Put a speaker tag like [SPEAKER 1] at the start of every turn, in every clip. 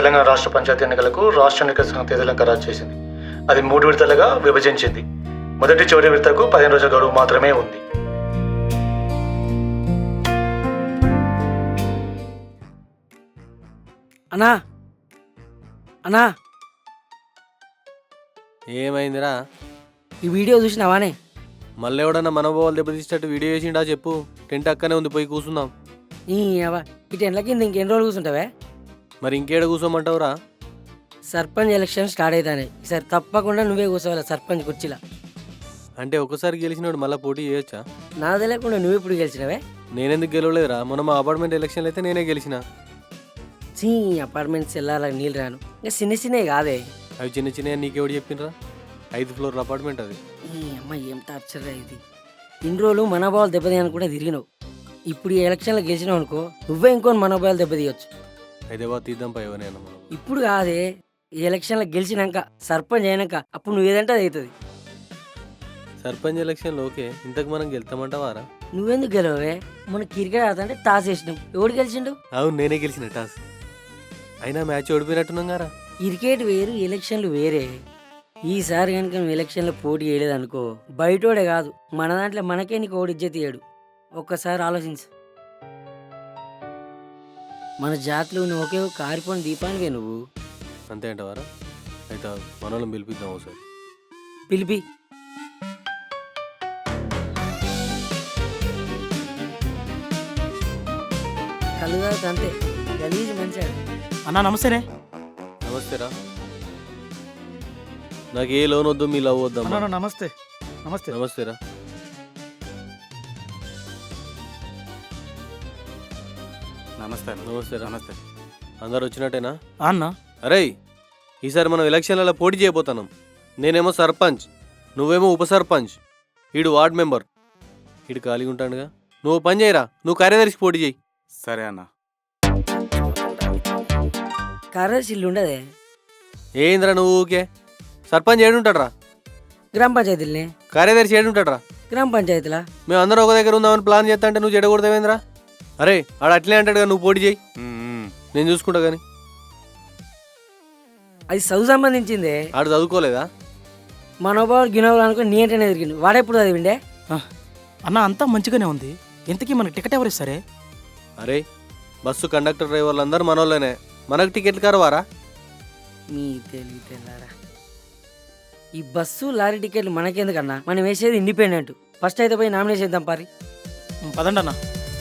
[SPEAKER 1] తెలంగాణ రాష్ట్ర పంచాయతీ ఎన్నికలకు రాష్ట్ర ఎన్నికల సంఘం తేదీలను ఖరారు చేసింది. అది 3 విడతలుగా విభజించింది. మొదటి చివరి విడతకు 15 రోజుల గడువు మాత్రమే ఉంది.
[SPEAKER 2] అన్నా అన్నా
[SPEAKER 3] ఏమైందిరా?
[SPEAKER 2] ఈ వీడియో చూసినావానే?
[SPEAKER 3] మళ్ళీ ఎవడన్నా మనోభావాలు దెబ్బతీసేటట్టు వీడియో చేసిండా చెప్పు. టెంట్ అక్కనే ఉంది, పోయి కూర్చుందాం.
[SPEAKER 2] ఈ టెంట్ల కింద ఇంకెన్ని రోజులు కూర్చుంటావే?
[SPEAKER 3] మరి ఇంకేడ కూర్చోమంటావురా?
[SPEAKER 2] సర్పంచ్ ఎలక్షన్ స్టార్ట్ అవుతాయి. ఈసారి తప్పకుండా నువ్వే కూర్చోవాలి సర్పంచ్ కుర్చీలా.
[SPEAKER 3] అంటే ఒకసారి గెలిచినోడు మళ్ళీ పోటీ చేయొచ్చా?
[SPEAKER 2] నాకు తెలియకుండా నువ్వు ఇప్పుడు గెలిచినవే?
[SPEAKER 3] నేనెందుకు గెలవలేదురా? మొన్న మా అపార్ట్మెంట్ ఎలక్షన్లు అయితే నేనే గెలిచిన.
[SPEAKER 2] అపార్ట్మెంట్స్ వెళ్ళాలని నీళ్ళు రాను. ఇంకా చిన్న చిన్నవి కాదే.
[SPEAKER 3] అవి చిన్న చిన్న నీకెవడు చెప్పిండ్రా? 5 ఫ్లోర్ల అపార్ట్మెంట్ అది.
[SPEAKER 2] ఈ అమ్మ ఏం టార్చర్ ఇది. ఇన్ని రోజులు మనోభావాలు దెబ్బతీయని కూడా తిరిగినావు. ఇప్పుడు ఈ ఎలక్షన్లో గెలిచినావు అనుకో, నువ్వే ఇంకొని మనోభావాలు దెబ్బతీయొచ్చు.
[SPEAKER 3] హైదరాబాద్ తీద్దాం పైవనే మనం.
[SPEAKER 2] ఇప్పుడు కాదే, ఈ ఎలక్షన్లో గెలిచినాక సర్పంచ్ అయినాక అప్పుడు నువ్వు ఏదంటే అది అవుతుంది.
[SPEAKER 3] సర్పంచ్ ఎలక్షన్లో ఓకే, ఇంతకు మనం గెలుతామంటావారా?
[SPEAKER 2] నువ్వెందుకు గెలవే? మన క్రికెట్ ఆడుతుంటే టాస్ వేసినావు. ఎవడు గెలిచిండు?
[SPEAKER 3] అవును, నేనే గెలిచిన టాస్. అయినా మ్యాచ్ ఓడిపోయినట్టున్నాం గారా.
[SPEAKER 2] క్రికెట్ వేరు, ఎలక్షన్లు వేరే. ఈసారి కనుక నువ్వు ఎలక్షన్లో పోటీ చేయలేదనుకో, బయటోడే కాదు మన దాంట్లో మనకే నీకు ఓడి ఇజ్జత్ ఇయ్యాడు. ఒక్కసారి ఆలోచించు. మన జాతిలో నువ్వు ఒకే ఒక కారిపోయిన దీపానివే నువ్వు.
[SPEAKER 3] అంతే అంటవారా? అయితే మనోళ్ళని పిలిపిద్దాం ఒకసారి.
[SPEAKER 2] పిలిపి. కళ్ళు తాగుతా అంతే, గలీజ్ మంచిగా.
[SPEAKER 4] అన్నా నమస్తేనే.
[SPEAKER 3] నమస్తేరా. నాకు ఏ లోన్ వద్దు, మీ లవ్ వద్దమ్మా.
[SPEAKER 4] నమస్తే. నమస్తే.
[SPEAKER 3] నమస్తేరా.
[SPEAKER 4] నమస్తే.
[SPEAKER 3] నమస్తేరా. నమస్తే. అందరు వచ్చినట్టేనా
[SPEAKER 4] అన్నా?
[SPEAKER 3] అరే, ఈసారి మనం ఎలక్షన్లలో పోటీ చేయబోతున్నాం. నేనేమో సర్పంచ్, నువ్వేమో ఉప సర్పంచ్, ఈడు వార్డ్ మెంబర్. ఈడు ఖాళీగా ఉంటాడుగా. నువ్వు పని చేయరా, నువ్వు కార్యదర్శికి పోటీ చేయి.
[SPEAKER 4] సరే అన్న.
[SPEAKER 2] కార్యదర్శి ఇల్లు ఉండదే?
[SPEAKER 3] ఏంద్రా నువ్వు ఊకే? సర్పంచ్ ఏడుంటాడ్రా?
[SPEAKER 2] గ్రామ పంచాయతీలనే.
[SPEAKER 3] కార్యదర్శి ఏడుంటాడ్రా?
[SPEAKER 2] గ్రామ పంచాయతీలా.
[SPEAKER 3] మేము అందరం ఒక దగ్గర ఉందామని ప్లాన్ చేస్తా అంటే నువ్వు చెడగొడతావేంద్రా? అరే, ఆడ అట్లే అంటాడుగా, నువ్వు పోటీ చేయి, నేను చూసుకుంటా. కానీ
[SPEAKER 2] అది చదువు సంబంధించిందే.
[SPEAKER 3] ఆడు చదువుకోలేదా?
[SPEAKER 2] మనోభావాలు గినోభావాలు అనుకో నీ అంటేనే తిరిగిండు. వాడెప్పుడు చదివిండే?
[SPEAKER 4] అన్న అంతా మంచిగానే ఉంది. ఇంతకీ మనకి టికెట్ ఎవరు ఇస్తారే?
[SPEAKER 3] అరే, బస్సు కండక్టర్ డ్రైవర్లు అందరూ మనోళ్ళనే. మనకు టికెట్లు కరవారా?
[SPEAKER 2] మీ తెలివి తెల్లారా. ఈ బస్సు లారీ టికెట్లు మనకెందుకన్నా? మనం వేసేది ఇండిపెండెంట్. ఫస్ట్ అయితే పోయి నామినేషన్ చేద్దాం పారి.
[SPEAKER 4] పదండి అన్న.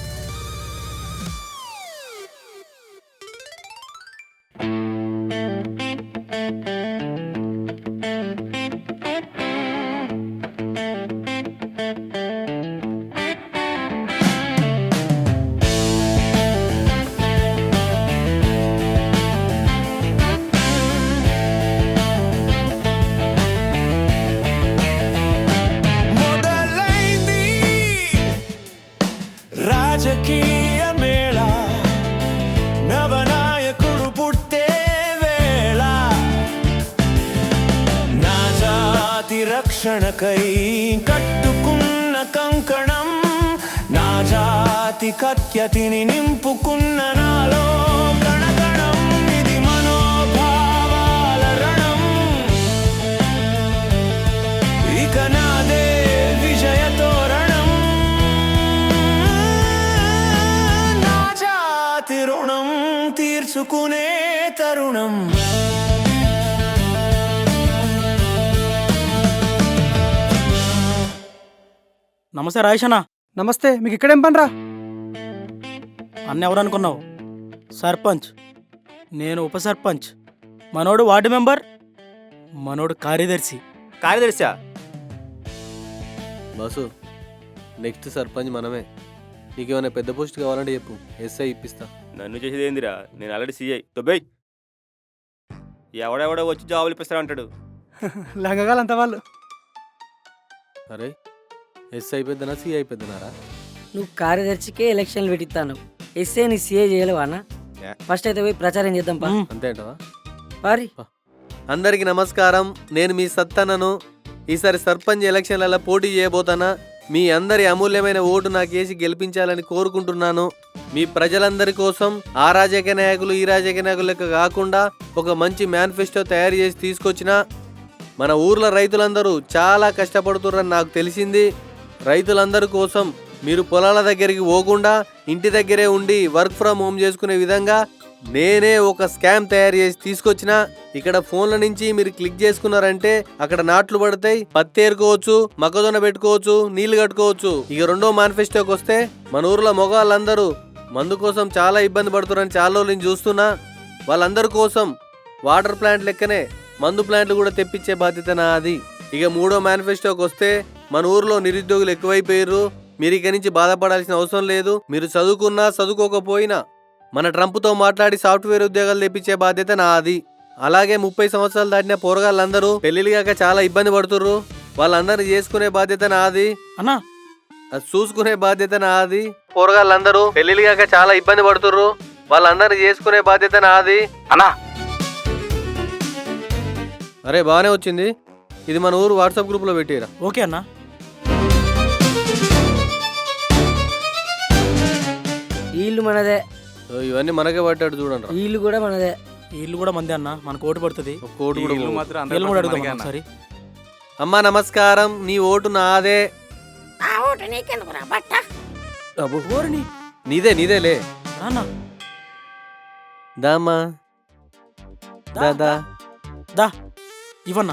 [SPEAKER 5] రాజకీయ మేళ, నవనాయకుడు పుట్టే వేళ, నా జాతి రక్షణకై కట్టుకున్న కంకణం, నా జాతి కత్యతిని నింపుకున్న నాలో కణకణం. ఇది మనోభావాల రణం, ఇక నాదే విజయ తోరణం. రుణం తీర్చుకునే తరుణం.
[SPEAKER 4] నమస్తే రాయేషనా.
[SPEAKER 6] నమస్తే. మీకు ఇక్కడేం పనిరా?
[SPEAKER 4] అన్న ఎవరు అనుకున్నావు? సర్పంచ్, నేను ఉప సర్పంచ్, మనోడు వార్డు మెంబర్, మనోడు కార్యదర్శి.
[SPEAKER 7] కార్యదర్శా?
[SPEAKER 3] బస్సు నెక్స్ట్ సర్పంచ్ మనమే. నీకేమైనా పెద్ద పోస్ట్ కావాలంటే చెప్పు, ఎస్ఐ ఇప్పిస్తా.
[SPEAKER 7] నన్ను చేసేది ఏందిరా? నేను ఆల్రెడీ సీఐ. తొబ్బై ఎవడెవడో వచ్చి జాబులు ఇప్పిస్తా అంటాడు.
[SPEAKER 6] లంగగాలంత వాళ్ళు.
[SPEAKER 3] అరే, ఎస్ఐ పెద్దనా సిఐ పెద్దనారా?
[SPEAKER 2] నువ్వు కార్యదర్శికే ఎలక్షన్లు పెట్టిస్తాను. ఎస్ఏ నీ సీఏ చేయలేవానా? ఫస్ట్ అయితే పోయి ప్రచారం చేద్దాం పా.
[SPEAKER 3] అంతే అంటవా?
[SPEAKER 2] పారి.
[SPEAKER 3] అందరికి నమస్కారం. నేను మీ సత్తన్నను. ఈసారి సర్పంచ్ ఎలక్షన్లలో పోటీ చేయబోతానా. మీ అందరి అమూల్యమైన ఓటు నాకేసి గెలిపించాలని కోరుకుంటున్నాను. మీ ప్రజలందరి కోసం ఆ రాజకీయ నాయకులు ఈ రాజకీయ నాయకులు లెక్క కాకుండా ఒక మంచి మేనిఫెస్టో తయారు చేసి తీసుకొచ్చిన మన ఊర్లో రైతులందరూ చాలా కష్టపడుతున్నారని నాకు తెలిసింది. రైతులందరి కోసం మీరు పొలాల దగ్గరికి పోకుండా ఇంటి దగ్గరే ఉండి వర్క్ ఫ్రమ్ హోమ్ చేసుకునే విధంగా నేనే ఒక స్కామ్ తయారు చేసి తీసుకొచ్చిన. ఇక్కడ ఫోన్ల నుంచి మీరు క్లిక్ చేసుకున్నారంటే అక్కడ నాట్లు పడతాయి, పత్తి ఏరుకోవచ్చు, మొక్కజొన్న పెట్టుకోవచ్చు, నీళ్లు కట్టుకోవచ్చు. ఇక రెండో మేనిఫెస్టోకి వస్తే మన ఊర్లో మగవాళ్ళందరూ మందు కోసం చాలా ఇబ్బంది పడుతున్నారని చాలా రోజులు నేను చూస్తున్నా. వాళ్ళందరి కోసం వాటర్ ప్లాంట్ లెక్కనే మందు ప్లాంట్లు కూడా తెప్పించే బాధ్యత నాది. ఇక మూడో మేనిఫెస్టోకి వస్తే మన ఊర్లో నిరుద్యోగులు ఎక్కువైపోయారు. మీరు ఇక నుంచి బాధపడాల్సిన అవసరం లేదు. మీరు చదువుకున్నా చదువుకోకపోయినా మన ట్రంప్తో మాట్లాడి సాఫ్ట్వేర్ ఉద్యోగాలు తెప్పించే బాధ్యత నాది. అలాగే 30 సంవత్సరాలు దాటిన పోరగాళ్ళందరూ పెళ్లిళ్ళు కాక చాలా ఇబ్బంది పడుతుర్రు. వాళ్ళందరినీ చేసుకునే బాధ్యత నాది.
[SPEAKER 4] అన్నా
[SPEAKER 3] అది చూసుకునే బాధ్యత నాది. పోరగాళ్ళందరూ పెళ్లిళ్ళు కాక చాలా ఇబ్బంది పడుతుర్రు. వాళ్ళందరినీ చేసుకునే బాధ్యత నాది.
[SPEAKER 7] అన్నా
[SPEAKER 3] అరే బాగానే వచ్చింది. ఇది మన ఊరు వాట్సాప్ గ్రూప్లో పెట్టిరా.
[SPEAKER 4] ఓకే అన్నా.
[SPEAKER 2] ఇల్లు మనదే,
[SPEAKER 3] ఇవన్నీ మనకే పట్టాడు చూడండి.
[SPEAKER 2] ఇల్లు కూడా మనదే.
[SPEAKER 4] ఈ ఇల్లు కూడా మందే అన్న, మనకు ఓటు పడుతుంది.
[SPEAKER 3] ఒక కోటి కూడా పోదు.
[SPEAKER 4] వీళ్ళు కూడా అడుగుదాం ఒకసారి.
[SPEAKER 3] అమ్మా నమస్కారం, నీ ఓటు నాదే. అబ్బో,
[SPEAKER 4] ఓరిని
[SPEAKER 3] నీదేలే.
[SPEAKER 4] రాన్నా
[SPEAKER 3] దామా దాదా
[SPEAKER 4] దా ఇవన్నా.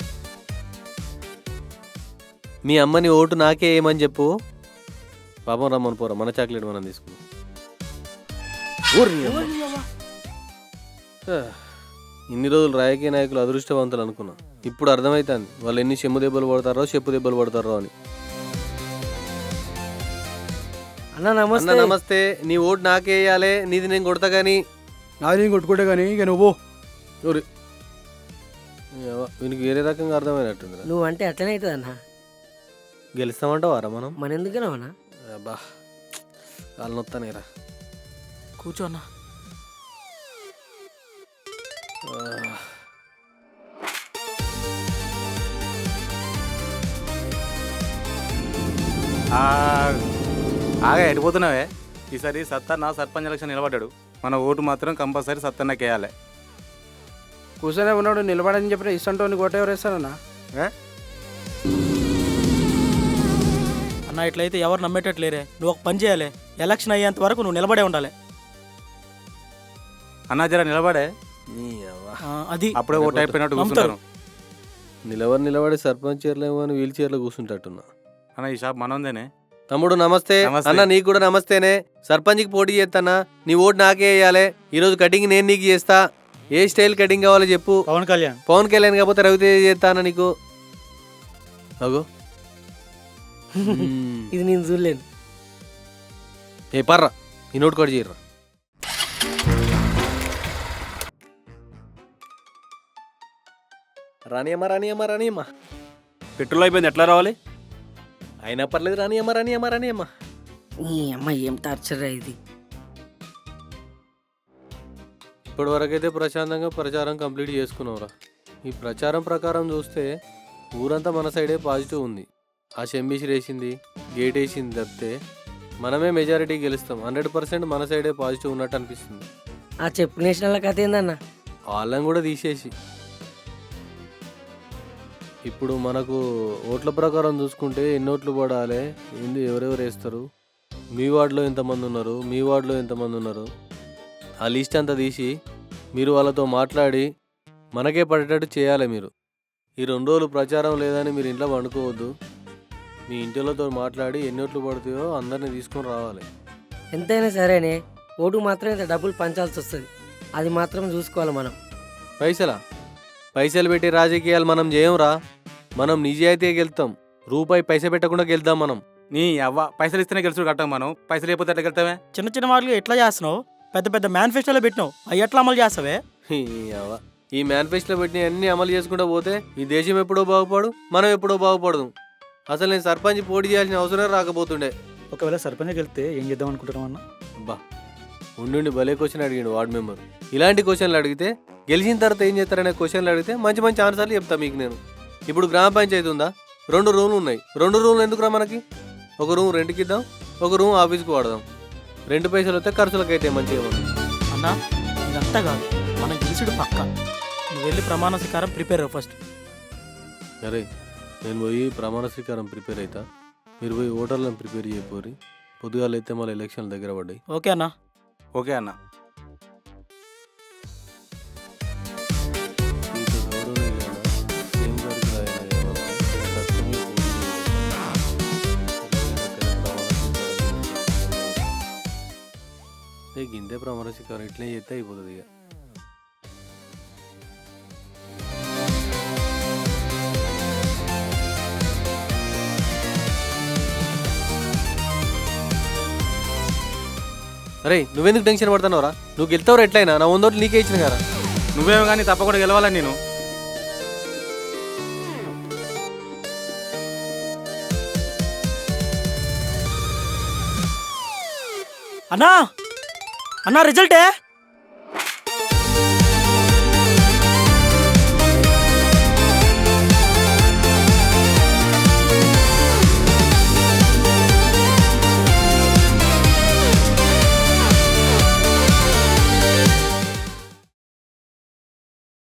[SPEAKER 3] మీ అమ్మని ఓటు నాకే ఏమని చెప్పు. పాపం రమ్మని పోరా, మన చాక్లెట్ మనం తీసుకున్నాం. ఇన్ని రోజులు రాజకీయ నాయకులు అదృష్టవంతులు అనుకున్నా. ఇప్పుడు అర్థమవుతుంది వాళ్ళు ఎన్ని చెమ్ము దెబ్బలు పడతారో చెప్పు దెబ్బలు పడతారో అని.
[SPEAKER 2] అన్న
[SPEAKER 3] అన్న
[SPEAKER 2] నమస్తే.
[SPEAKER 3] నమస్తే, నీ ఓటు నాకే వేయాలి. నీది నేను కొడతా గానీ.
[SPEAKER 6] నాది నేను కొట్టుకుంటే కానీ ఇక నువ్వు
[SPEAKER 3] వీనికి వేరే రకంగా అర్థమైనట్టుంది.
[SPEAKER 2] నువ్వు అంటే అట్లనే అవుతుంది అన్న.
[SPEAKER 3] గెలుస్తామంటావారా మనం?
[SPEAKER 2] మన ఎందుకన్నా అన్న?
[SPEAKER 3] అబ్బా కాళ్ళు నొత్తానేరా.
[SPEAKER 4] కూర్చో అన్నా.
[SPEAKER 8] ఆగా ఎడిపోతున్నావే. ఈసారి సత్తన్న సర్పంచ్ ఎలక్షన్ నిలబడ్డాడు. మన ఓటు మాత్రం కంపల్సరీ సత్తన్నకి వేయాలి.
[SPEAKER 6] కూర్చొనే ఉన్నాడు, నిలబడని చెప్పిన ఇష్టంతో కోట ఎవరు వేస్తారన్నా?
[SPEAKER 4] అన్న ఇట్లయితే ఎవరు నమ్మేటట్లేరే. నువ్వు ఒక పని చేయాలి, ఎలక్షన్ అయ్యేంత వరకు నువ్వు నిలబడే ఉండాలి.
[SPEAKER 8] అన్నా జర నిలబడే,
[SPEAKER 4] అది
[SPEAKER 8] అప్పుడే ఓటు అయిపోయినట్టు కూర్చుంటారు.
[SPEAKER 3] నిలబడి సర్పంచ్ చైర్లేమో అని వీల్ చైర్లో కూర్చుంటట్టున్నా.
[SPEAKER 8] అన్న ఈ షాప్ మనోందేనే.
[SPEAKER 3] తమ్ముడు నమస్తే.
[SPEAKER 8] నమస్తే.
[SPEAKER 3] అన్న నీకు కూడా నమస్తేనే. సర్పంచ్కి పోటీ చేస్తానా, నీ ఓటు నాకే వేయాలి. ఈరోజు కటింగ్ నేను నీకు చేస్తా. ఏ స్టైల్ కటింగ్ కావాలో చెప్పు.
[SPEAKER 6] పవన్ కళ్యాణ్.
[SPEAKER 3] పవన్ కళ్యాణ్ కాకపోతే రవితేజ చేస్తానా నీకు. అగో
[SPEAKER 2] ఇది నేను చూడలేను.
[SPEAKER 3] ఏ పర్రా, ఈ నోట్ కూడా చేయర్రా. రానియమ్మా.
[SPEAKER 7] పెట్రోల్ అయిపోయింది, ఎట్లా రావాలి?
[SPEAKER 3] అయినా పర్లేదు, రానియమ్మా.
[SPEAKER 2] ఈ అమ్మ ఏం టార్చర్ ఇది.
[SPEAKER 3] ఇప్పటి వరకైతే ప్రశాంతంగా ప్రచారం కంప్లీట్ చేసుకున్నావురా. ఈ ప్రచారం ప్రకారం చూస్తే ఊరంతా మన సైడే పాజిటివ్ ఉంది. ఆ షెంబీసి వేసింది, గేట్ వేసింది తప్పితే మనమే మెజారిటీ గెలుస్తాం. 100% మన సైడే పాజిటివ్ ఉన్నట్టు అనిపిస్తుంది.
[SPEAKER 2] ఆ చెప్పు నేషనల్ కథ ఏందన్న?
[SPEAKER 3] వాళ్ళని కూడా తీసేసి ఇప్పుడు మనకు ఓట్ల ప్రకారం చూసుకుంటే ఎన్ని ఓట్లు పడాలి, ఏంది, ఎవరెవరు వేస్తారు, మీ వార్డులో ఎంతమంది ఉన్నారు, మీ వార్డులో ఎంతమంది ఉన్నారు, ఆ లిస్ట్ అంతా తీసి మీరు వాళ్ళతో మాట్లాడి మనకే పడేటట్టు చేయాలి. మీరు ఈ 2 రోజులు ప్రచారం లేదని మీరు ఇంట్లో వండుకోవద్దు. మీ ఇంటిలతో మాట్లాడి ఎన్ని ఓట్లు పడతాయో అందరినీ తీసుకొని రావాలి.
[SPEAKER 2] ఎంతైనా సరేనే, ఓటు మాత్రం ఇంత డబ్బులు పంచాల్సి వస్తుంది. అది మాత్రం చూసుకోవాలి మనం.
[SPEAKER 3] పైసలు పెట్టి రాజకీయాలు మనం చేయంరా. మనం నిజాయితీగా గెలుతాం. రూపాయి పైసా పెట్టకుండా గెలుద్దాం మనం.
[SPEAKER 8] నీ అవ్వ పైసలు ఇస్తేనే గెలుచుడు కట్టాం మనం. పైసలు అయిపోతే ఎట్లా గెలుతామే?
[SPEAKER 4] చిన్న చిన్న వాటికి ఎట్లా చేస్తున్నావు? పెద్ద పెద్ద మేనిఫెస్టోలో పెట్టినావు, అవి ఎట్లా అమలు చేస్తావే?
[SPEAKER 3] ఈ మేనిఫెస్టోలో పెట్టిన అన్ని అమలు చేసుకుంటూ పోతే ఈ దేశం ఎప్పుడో బాగుపడు, మనం ఎప్పుడో బాగుపడదు. అసలు నేను సర్పంచ్ పోటీ చేయాల్సిన అవసరం రాకపోతుండే.
[SPEAKER 6] ఒకవేళ సర్పంచ్ గెలిస్తే ఏం చేద్దాం అనుకుంటున్నాం అన్న?
[SPEAKER 3] అబ్బా ఉండి భలే క్వశ్చన్ అడిగాడు వార్డు మెంబర్. ఇలాంటి క్వశ్చన్లు అడిగితే గెలిచిన తర్వాత ఏం చేస్తారనే క్వశ్చన్లు అడిగితే మంచి మంచి ఆన్సర్లు చెప్తా మీకు నేను. ఇప్పుడు గ్రామ పంచాయతీ ఉందా, 2 రూమ్లు ఉన్నాయి. 2 రూమ్లు ఎందుకురా మనకి? ఒక రూమ్ రెంట్కి ఇద్దాం, ఒక రూమ్ ఆఫీస్కి వాడదాం. 2 పైసలు వస్తే ఖర్చులకైతే మంచిగా మనం.
[SPEAKER 4] అన్నా ఇదంతా కాదు, మనం గెలిచుడు పక్క. నువ్వు వెళ్ళి ప్రమాణ స్వీకారం ప్రిపేర్ అవ్వు ఫస్ట్.
[SPEAKER 3] అరే నేను పోయి ప్రమాణ స్వీకారం ప్రిపేర్ అవుతా, మీరు పోయి ఓటర్లను ప్రిపేర్ చేయపోరి. పొద్దుగాలు అయితే మళ్ళీ ఎలక్షన్ల దగ్గర పడ్డాయి.
[SPEAKER 4] ఓకే అన్నా.
[SPEAKER 8] ఓకే అన్న.
[SPEAKER 3] గిందే ప్రమాణ స్వీకారం ఇట్లే చేస్తే అయిపోతుంది ఇక. అరే నువ్వెందుకు టెన్షన్ పడుతున్నావురా? నువ్వు గెలుతావు ఎట్లయినా, నా 100 ఓట్లు నీకే ఇచ్చిన కదా.
[SPEAKER 8] నువ్వేమో కానీ తప్పకుండా గెలవాలని నేను.
[SPEAKER 4] అన్నా అన్నా రిజల్టే